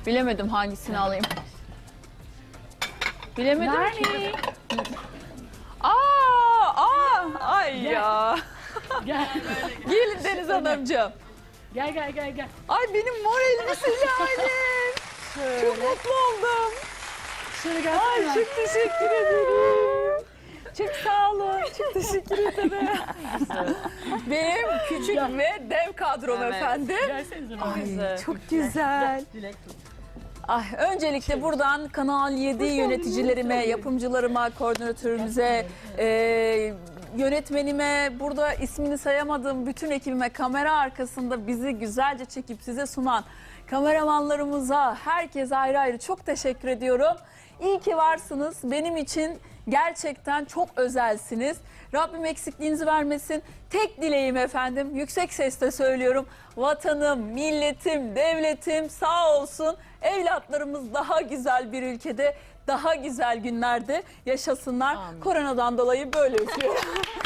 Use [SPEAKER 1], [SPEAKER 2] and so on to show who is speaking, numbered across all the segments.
[SPEAKER 1] Bilemedim hangisini alayım. Bilemedim ki. Ay
[SPEAKER 2] Gel.
[SPEAKER 1] ya.
[SPEAKER 2] Gel.
[SPEAKER 1] Gelin Deniz Hanımcığım.
[SPEAKER 2] Gel.
[SPEAKER 1] Ay benim moralimi silahim. Çok mutlu oldum.
[SPEAKER 2] Şöyle
[SPEAKER 1] Ay
[SPEAKER 2] gelsene.
[SPEAKER 1] çok teşekkür ederim. Çok sağ olun. Çok teşekkür ederim. Benim küçük ve dev kadrom efendim.
[SPEAKER 2] Gelsenize.
[SPEAKER 1] Ay, çok güzel.
[SPEAKER 2] Dilek tut.
[SPEAKER 1] Ay, öncelikle buradan Kanal 7 yöneticilerime, yapımcılarıma, koordinatörümüze, yönetmenime, burada ismini sayamadığım bütün ekibime, kamera arkasında bizi güzelce çekip size sunan kameramanlarımıza, herkese ayrı ayrı çok teşekkür ediyorum. İyi ki varsınız. Benim için gerçekten çok özelsiniz. Rabbim eksikliğinizi vermesin. Tek dileğim efendim, yüksek sesle söylüyorum. Vatanım, milletim, devletim sağ olsun. Evlatlarımız daha güzel bir ülkede, daha güzel günlerde yaşasınlar.
[SPEAKER 2] Amin.
[SPEAKER 1] Koronadan dolayı böyle üzülüyorum.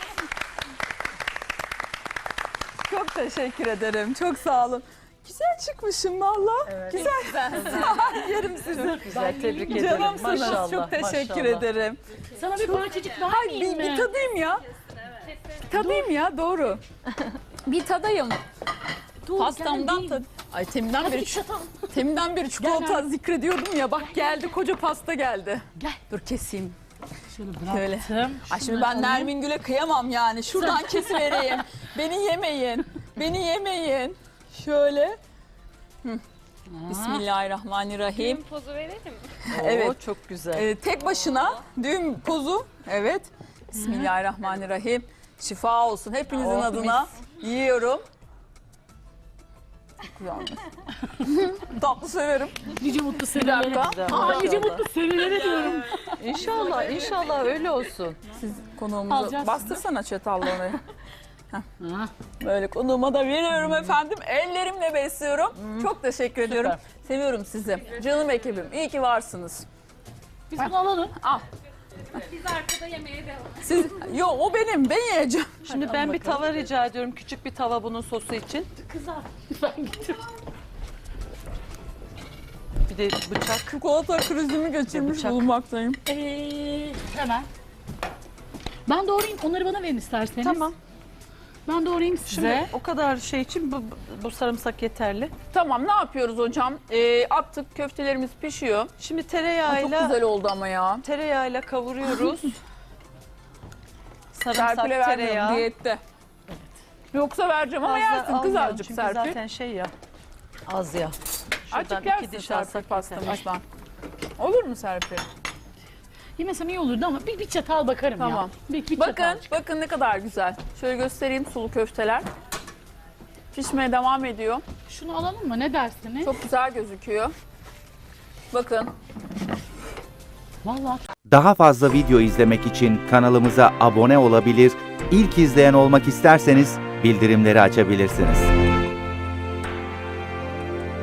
[SPEAKER 1] Çok teşekkür ederim. Çok sağ olun. Güzel çıkmışım valla.
[SPEAKER 2] Evet.
[SPEAKER 1] Güzel. Yerim sizi.
[SPEAKER 3] Güzel, tebrik ederim.
[SPEAKER 1] Canımsınız.
[SPEAKER 3] Maşallah,
[SPEAKER 1] Çok teşekkür
[SPEAKER 3] maşallah.
[SPEAKER 1] ederim.
[SPEAKER 2] Sana bir parçacık daha
[SPEAKER 1] Hay
[SPEAKER 2] yiyeyim
[SPEAKER 1] bir
[SPEAKER 2] mi?
[SPEAKER 1] tadayım ya. Tadayım ya doğru. Bir tadayım.
[SPEAKER 2] Dur,
[SPEAKER 1] Pastamdan
[SPEAKER 2] gel,
[SPEAKER 1] tad. Ay teminden beri çikolata
[SPEAKER 2] Gel.
[SPEAKER 1] zikrediyordum ya. Bak geldi koca pasta geldi.
[SPEAKER 2] Gel.
[SPEAKER 1] Dur keseyim.
[SPEAKER 2] Şöyle
[SPEAKER 1] Şöyle.
[SPEAKER 2] bıraktım.
[SPEAKER 1] Ay şimdi
[SPEAKER 2] Şunları
[SPEAKER 1] ben
[SPEAKER 2] alayım.
[SPEAKER 1] Nermin Gül'e kıyamam yani. Şuradan kesivereyim. Beni yemeyin. Beni yemeyin. Şöyle. Bismillahirrahmanirrahim.
[SPEAKER 4] Düğün pozu verelim.
[SPEAKER 1] Evet.
[SPEAKER 3] Oo, çok güzel.
[SPEAKER 1] Tek başına düğün pozu. Evet. Bismillahirrahmanirrahim. Şifa olsun. Hepinizin
[SPEAKER 3] Oh,
[SPEAKER 1] adına yiyorum. Tatlı severim.
[SPEAKER 2] Nice mutlu
[SPEAKER 1] Bir
[SPEAKER 2] senelere.
[SPEAKER 1] dakika.
[SPEAKER 2] Nice mutlu senelere diyorum.
[SPEAKER 3] İnşallah, inşallah öyle olsun.
[SPEAKER 1] Siz konuğumuzu
[SPEAKER 2] Alacağız
[SPEAKER 1] bastırsana çatallı oraya.
[SPEAKER 2] Ha.
[SPEAKER 1] Böyle konuğuma da veriyorum efendim. Ellerimle besliyorum. Çok teşekkür ediyorum. Seviyorum sizi. Canım ekibim. İyi ki varsınız.
[SPEAKER 2] Biz bunu alalım.
[SPEAKER 1] Al.
[SPEAKER 4] Biz arkada yemeğe devam.
[SPEAKER 1] Siz, o benim. Ben yiyeceğim.
[SPEAKER 3] Şimdi ben bir tava rica ediyorum. Küçük bir tava bunun sosu için.
[SPEAKER 2] Kızar. Ben getir.
[SPEAKER 3] Bir de bıçak.
[SPEAKER 1] Çikolata krizimi geçirmiş
[SPEAKER 3] Bıçak.
[SPEAKER 1] bulunmaktayım.
[SPEAKER 2] Hemen. Ben doğrayayım. Onları bana verin isterseniz.
[SPEAKER 3] Tamam.
[SPEAKER 2] Ben doğrayayım size.
[SPEAKER 3] Şimdi o kadar şey için bu sarımsak yeterli.
[SPEAKER 1] Tamam ne yapıyoruz hocam? Attık köftelerimiz pişiyor.
[SPEAKER 3] Şimdi
[SPEAKER 1] Ay, çok
[SPEAKER 3] tereyağıyla
[SPEAKER 1] güzel oldu ama ya.
[SPEAKER 3] kavuruyoruz. Sarımsak,
[SPEAKER 1] Serpil'e vermiyorum
[SPEAKER 3] tereyağı.
[SPEAKER 1] diyette. Yoksa vereceğim ama
[SPEAKER 3] Fazla
[SPEAKER 1] yersin kız
[SPEAKER 3] almayalım
[SPEAKER 1] azıcık
[SPEAKER 3] çünkü
[SPEAKER 1] Serpil.
[SPEAKER 3] zaten şey ya. Az ya.
[SPEAKER 1] Azıcık
[SPEAKER 3] Şuradan
[SPEAKER 1] yersin
[SPEAKER 3] iki diş
[SPEAKER 1] Serpil
[SPEAKER 3] alsak yeter.
[SPEAKER 1] pastamızdan. Olur mu Serpil?
[SPEAKER 2] Yemesem iyi olurdu ama bir çatal bakarım
[SPEAKER 1] Tamam.
[SPEAKER 2] ya. Bir
[SPEAKER 1] Bakın,
[SPEAKER 2] çatal.
[SPEAKER 1] bakın ne kadar güzel. Şöyle göstereyim sulu köfteler. Pişmeye devam ediyor.
[SPEAKER 2] Şunu alalım mı? Ne dersiniz?
[SPEAKER 1] Çok güzel gözüküyor. Bakın.
[SPEAKER 2] Vallahi
[SPEAKER 5] Daha fazla video izlemek için kanalımıza abone olabilir, ilk izleyen olmak isterseniz bildirimleri açabilirsiniz.